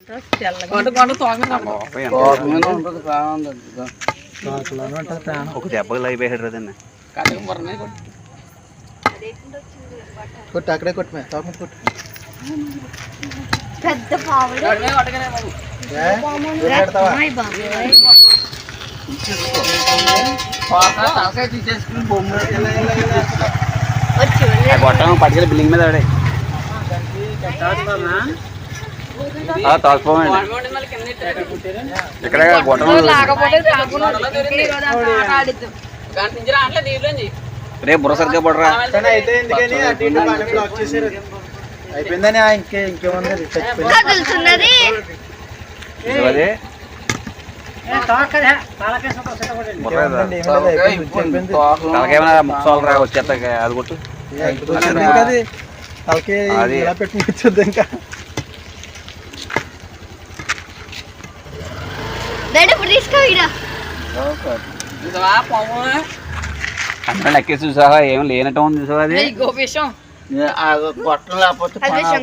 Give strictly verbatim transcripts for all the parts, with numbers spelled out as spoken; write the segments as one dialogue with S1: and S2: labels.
S1: ఒక దెబ్బకి అయిపోయాడు రదండి
S2: కొట్టు అక్కడే కొట్టు తోక కొట్టు
S3: పెద్ద పావులు
S1: గొట్టం పట్టుకెళ్ళి బిల్డింగ్ మీద ఆడే తోకపోండి ఇక్కడ గొట్టం రేపు బుర్ర సరిగ్గా పడరా
S2: అయిపోయిందని ఇంకే ఇంకేముంది
S1: తలకేమైనా ముక్సాలు రా వచ్చేస్తా అది కొట్టు
S2: తలకి ఇలా పెట్టుకొచ్చేద్దాం ఇంకా
S1: అందరం లెక్కేసి చూసావా ఏం లేనట్టు ఉంది చూసావా అది
S2: గొట్టం లేకపోతే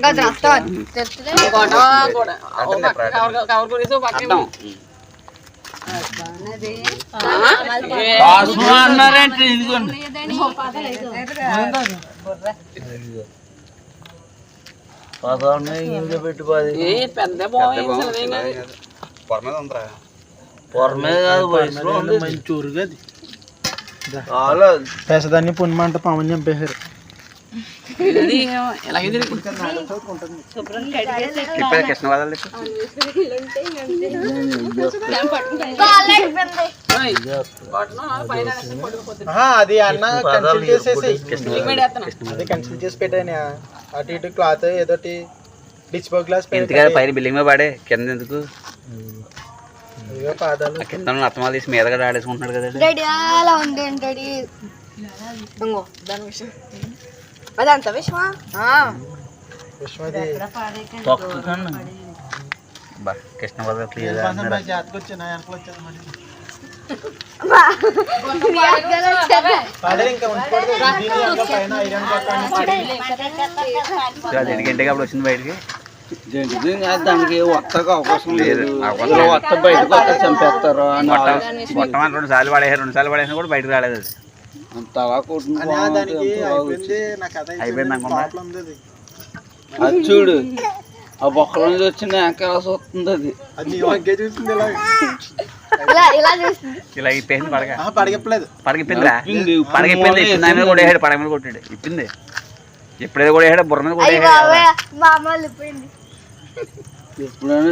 S2: మంచూరుగా పెసదాన్ని పుణ్యమంట పాముని చంపేశారు అది అన్న కన్సిల్ చేసేసి అది కన్సిల్ చేసి పెట్టాను అటు ఇటు క్లాత్ ఏదోటి డిచ్ బో గ్లాస్
S1: పైన బిల్డింగ్ మీద పడే కింద ఎందుకు
S2: పాదాలు
S1: కింద అత్తమాలు తీసి మీద కూడా ఆడేసుకుంటున్నాడు కదా
S3: అదంత విషమా
S1: కృష్ణ బాబు క్లియర్ ఎందుకంటే అప్పుడు వచ్చింది బయటికి
S2: దానికి వత్తకు అవకాశం లేదు వత్త బయటకు చంపేస్తారు
S1: మొత్తం రెండు సార్లు పడేసారు రెండు సార్లు పడేసినా కూడా బయటకు రాలేదు
S2: అది చూడు ఆ బొక్కల నుంచి వచ్చిన వెనకాల వస్తుంది అది
S1: ఇలా ఇప్పేసింది పడగ
S2: పడగప్పలేదు
S1: పడగిప్పిందిరా పడగిప్పింది ఇచ్చింది కూడా వేసాడు పడగ మీద కొట్టాడు ఇప్పింది ఎప్పుడైతే కూడా వేసాడు బుర్ర మీద కూడా
S3: మామూలు
S2: ఎప్పుడైనా